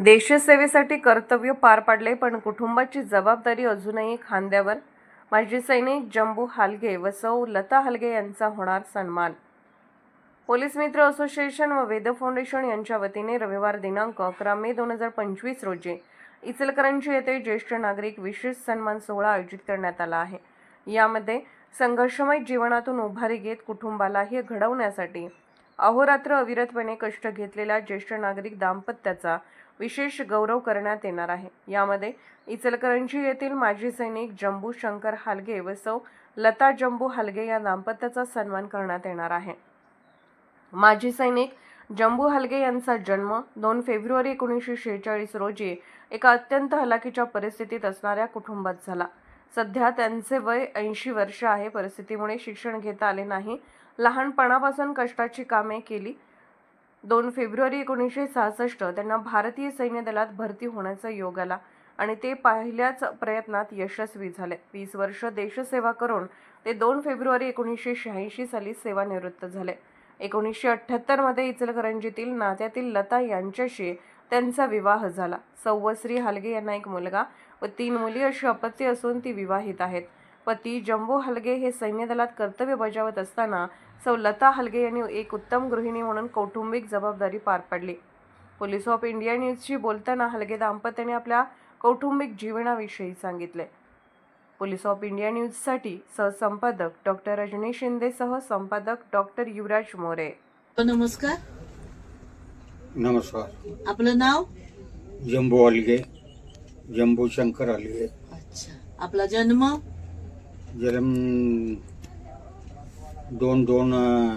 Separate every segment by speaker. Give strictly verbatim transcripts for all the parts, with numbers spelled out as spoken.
Speaker 1: देशसेवेसाठी कर्तव्य पार पाडले, पण कुटुंबाची जबाबदारी अजूनही खांद्यावर. माजी सैनिक जंबू हालगे व सौ लता हालगे यांचा होणार सन्मान. पोलीस मित्र असोसिएशन व वेद फाउंडेशन यांच्या वतीने रविवार दिनांक अकरा मे दोन हजार पंचवीस रोजी इचलकरंजी येथे ज्येष्ठ नागरिक विशेष सन्मान सोहळा आयोजित करण्यात आला आहे. यामध्ये संघर्षमय जीवनातून उभारी घेत कुटुंबालाही घडवण्यासाठी अहोरात्र अविरतपणे कष्ट घेतलेल्या ज्येष्ठ नागरिक दाम्पत्याचा विशेष गौरव करण्यात येणार आहे. यामध्ये इचलकरंजी येथील माजी सैनिक जंबू शंकर हालगे व सौ लता जंबू हालगे या दाम्पत्याचा सन्मान करण्यात येणार आहे. माजी सैनिक जंबू हालगे यांचा जन्म दोन फेब्रुवारी एकोणीसशे शेहेचाळीस रोजी एका अत्यंत हलाखीच्या परिस्थितीत असणाऱ्या कुटुंबात झाला. सध्या त्यांचे वय ऐंशी वर्ष आहे. परिस्थितीमुळे शिक्षण घेता आले नाही. लहानपणापासून कष्टाची कामे केली. दोन फेब्रुवारी एकोणीसशे सहासष्ट त्यांना भारतीय सैन्य दलात भरती होण्याचा योग आला आणि ते पहिल्याच प्रयत्नात यशस्वी झाले. वीस वर्ष देशसेवा करून ते दोन फेब्रुवारी एकोणीसशे शहाऐंशी साली सेवानिवृत्त झाले. एकोणीसशे अठ्ठ्याहत्तर मध्ये इचलकरंजीतील नात्यातील लता यांच्याशी त्यांचा विवाह झाला. सौवश्री हालगे यांना एक मुलगा व तीन मुली अशी अपत्ये असून ती विवाहित आहेत. पती जंबू हालगे हे सैन्य दलात कर्तव्य बजावत असताना सौ लता हालगे यांनी एक उत्तम गृहिणी म्हणून कौटुंबिक जबाबदारी पार पाडली. पोलीस ऑफ इंडिया न्यूजशी बोलताना हालगे दाम्पत्याने आपल्या कौटुंबिक जीवनाविषयी सांगितले. पोलीस ऑफ इंडिया न्यूजसाठी सहसंपादक डॉक्टर रजनी शिंदे सह संपादक डॉक्टर युवराज मोरे.
Speaker 2: नमस्कार.
Speaker 3: नमस्कार.
Speaker 2: आपलं नाव?
Speaker 3: जंबू हालगे, जंबू शंकर हालगे.
Speaker 2: अच्छा. आपला जन्म?
Speaker 3: जन्म दोन दोन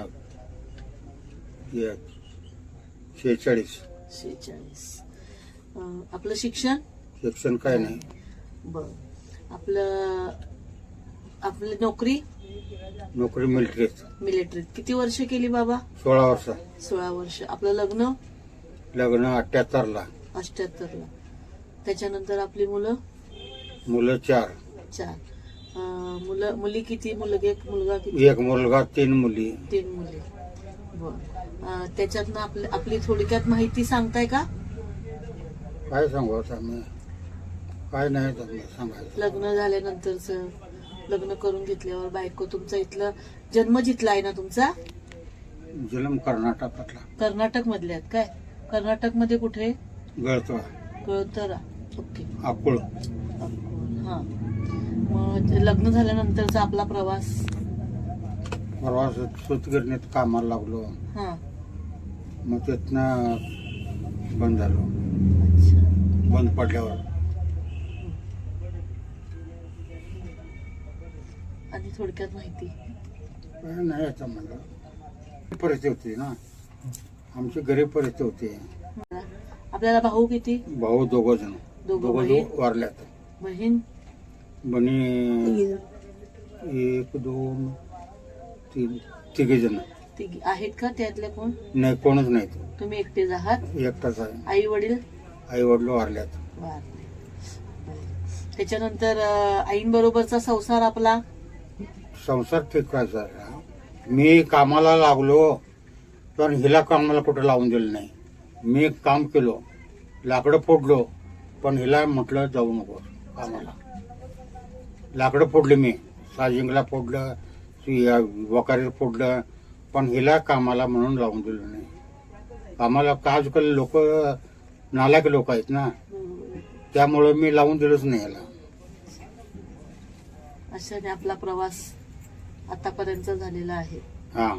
Speaker 3: शेहेचाळीस.
Speaker 2: शेहेचाळीस. आपलं शिक्षण?
Speaker 3: शिक्षण काय नाही.
Speaker 2: बर. आपलं आपली नोकरी?
Speaker 3: नोकरी मिलिटरीत.
Speaker 2: मिलिटरीत. किती वर्ष केली बाबा?
Speaker 3: सोळा वर्ष.
Speaker 2: सोळा वर्ष. आपलं लग्न?
Speaker 3: लग्न अठ्ठ्याहत्तर ला.
Speaker 2: अठ्ठ्याहत्तर ला. त्याच्यानंतर आपली मुलं?
Speaker 3: मुलं चार.
Speaker 2: चार. मुलं मुली किती? मुलगा एक मुलगा किती?
Speaker 3: एक मुलगा, तीन मुली.
Speaker 2: तीन मुली. बर. त्याच्यातनं आपली आपली थोडक्यात माहिती सांगताय का?
Speaker 3: काय सांगू आता मी? काय नाही सांगायचं.
Speaker 2: लग्न झाल्यानंतरच, लग्न करून घेतल्यावर बायको, तुमचा इथलं जन्म जिथला आहे ना तुमचा?
Speaker 3: जन्म कर्नाटकातला.
Speaker 2: कर्नाटक मधले आहेत काय? कर्नाटक मध्ये कुठे?
Speaker 3: गळतवा.
Speaker 2: गळतरा. ओके.
Speaker 3: अकोळ.
Speaker 2: हा. मग लग्न झाल्यानंतरचा आपला प्रवास?
Speaker 3: प्रवास सूतगिरणीत कामाला लागलो.
Speaker 2: हा.
Speaker 3: मग तिथनं बंद झालो.
Speaker 2: अच्छा.
Speaker 3: बंद पडल्यावर
Speaker 2: आणि थोडक्यात माहिती?
Speaker 3: काय नाही आता म्हणलं. परिस्थिती होती ना, आमची गरीब परिस्थिती होती.
Speaker 2: आपल्याला भाऊ किती?
Speaker 3: भाऊ दोघ जण.
Speaker 2: दोघं
Speaker 3: दोघ
Speaker 2: बहीण?
Speaker 3: वारल्यात.
Speaker 2: बहीण?
Speaker 3: बनी एक दोन तीन तिघे जण.
Speaker 2: तिघी आहेत का? त्यातल्या कोण?
Speaker 3: नाही, कोणच नाही.
Speaker 2: तुम्ही एकटेच आहात?
Speaker 3: एकटाच आहे.
Speaker 2: आई वडील?
Speaker 3: आई वडील वारल्यात.
Speaker 2: वारले. त्याच्यानंतर आईंबरोबरचा संसार आपला?
Speaker 3: संसार ठीक करायचा. मी कामाला लागलो तर हिला कामाला कुठं लावून दिलं नाही. मी काम केलो, लाकडं फोडलो, पण हिला म्हटलं जाऊ नको कामाला. लाकडं फोडले मी, साजिंगला फोडलं, वकारीला फोडलं, पण हिला कामाला म्हणून लावून दिलं नाही. कामाला आजकाल लोक नालायक लोक आहेत ना, त्यामुळं मी लावून दिलंच नाही याला.
Speaker 2: अशाने आपला प्रवास आतापर्यंत झालेला आहे.
Speaker 3: हा.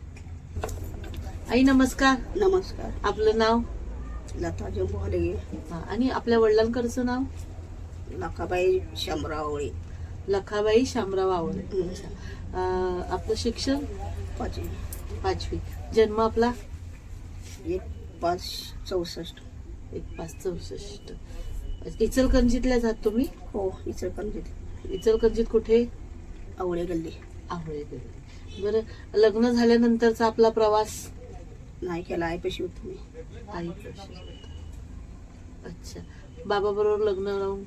Speaker 2: आई नमस्कार.
Speaker 4: नमस्कार.
Speaker 2: आपलं नाव?
Speaker 4: लता जंबू हालगे.
Speaker 2: आणि आपल्या वडिलांकडचं नाव?
Speaker 4: लखाबाई शामराव आवळे.
Speaker 2: लखाबाई शामराव आवळे. आपलं शिक्षण?
Speaker 4: पाचवी.
Speaker 2: पाचवी. जन्म आपला?
Speaker 4: एक पाच चौसष्ट.
Speaker 2: एक पाच चौसष्ट. इचलकरंजीतल्या जात तुम्ही?
Speaker 4: हो, इचलकरंजीत.
Speaker 2: इचलकरंजीत कुठे?
Speaker 4: आवळे गल्ली.
Speaker 2: आवळे गल्ली. बरं. लग्न झाल्यानंतरचा आपला प्रवास?
Speaker 4: नाही केला, आईपाशी होतो मी.
Speaker 2: आई. अच्छा. बाबा बरोबर लग्न लावून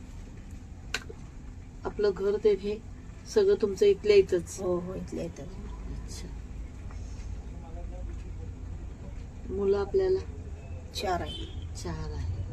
Speaker 2: आपलं घर ते हे सगळं तुमचं इथल्या इथंच?
Speaker 4: हो हो, इथल्या इथं.
Speaker 2: अच्छा. मुलं आपल्याला?
Speaker 4: चार आहे.
Speaker 2: चार आहे.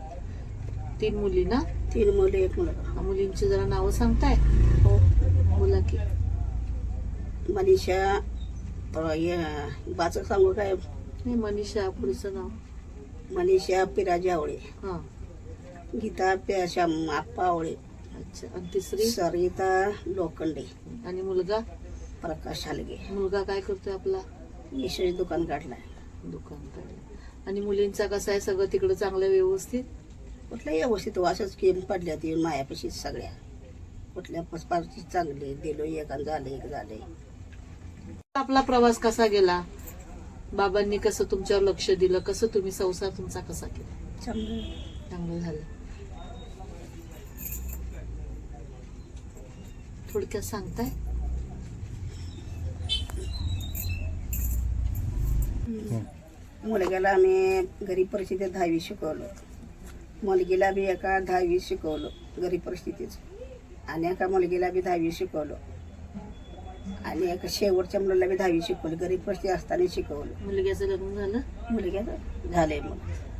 Speaker 2: तीन मुली ना?
Speaker 4: तीन मुले एक मुलगा.
Speaker 2: मुलींची जरा नावं सांगताय?
Speaker 4: हो.
Speaker 2: बोला की.
Speaker 4: मनीषा अं, हे, बाचं सांगू काय?
Speaker 2: नाही, मनीषा पुढचं नाव.
Speaker 4: मनीषा पिराजी आवळे,
Speaker 2: हा.
Speaker 4: गीता पे- श्याम आप्पा आवळे,
Speaker 2: अच्छा. आणि तिसरी?
Speaker 4: सरिता लोखंडे,
Speaker 2: आणि मुलगा?
Speaker 4: प्रकाश हालगे.
Speaker 2: मुलगा काय करतोय आपला?
Speaker 4: यशोची दुकान काढलाय.
Speaker 2: दुकान काढलं. आणि मुलींचा कसं आहे सगळं तिकडं चांगलं व्यवस्थित?
Speaker 4: कुठल्या व्यवस्थित असंच केम पडल्या ती मायापाशी सगळ्या. कुठल्या पसपारची चांगली दिलो, एक झालं एक झालंय.
Speaker 2: आपला प्रवास कसा गेला? बाबांनी कसं तुमच्यावर लक्ष दिलं? कसं तुम्ही संसार तुमचा कसा केला?
Speaker 4: चांगलं.
Speaker 2: चांगलं झालं. थोडक्यात सांगताय?
Speaker 4: मुलग्याला आम्ही गरीब परिस्थितीत दहावी शिकवलं. मुलगीला बी एका दहावी शिकवलं गरीब परिस्थितीच. आणि एका मुलगीला बी दहावी शिकवलं. आणि एका शेवटच्या मुलाला बी दहावी शिकवली. गरीब परिस्थिती असताना शिकवलं.
Speaker 2: मुलग्याचं लग्न झालं?
Speaker 4: मुलग्याला झालंय मग.